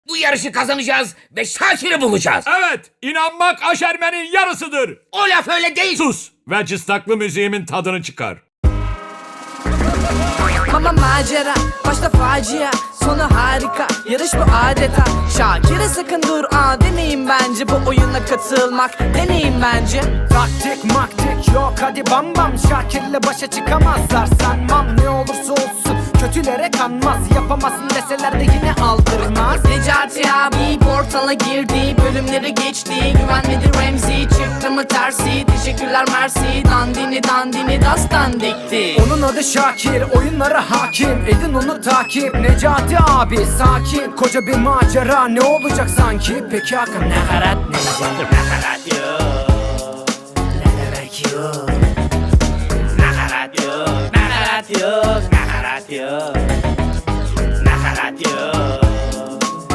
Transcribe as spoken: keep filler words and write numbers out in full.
Bu yarışı kazanacağız ve Şakir'i bulacağız. Evet, inanmak aşermenin yarısıdır. O laf öyle değil. Sus ve cıstaklı müziğimin tadını çıkar. Mama macera, başta facia, sonu harika. Yarış bu adeta. Şakir'e sakın dur aa demeyin bence. Bu oyuna katılmak deneyin bence. Taktik maktik yok hadi bam bam. Şakir'le başa çıkamazlar sanmam. Ne olursa olsun kötülere kanmaz. Yapamazsın deseler de yine aldırmaz. Necati abi portala girdi, bölümleri geçti. Güvenmedi Remzi, çıktı mı tersi. Teşekkürler mersi, dandini dandini dastan dikti. Onun adı Şakir, oyunlara hakim. Edin onu takip, Necati abi sakin. Koca bir macera ne olacak sanki? Peki Hakan nakarat neydi? Nakarat yok. Ne demek yok? Nakarat yok. Nakarat yok. Nakarat yok. Nakarat yok.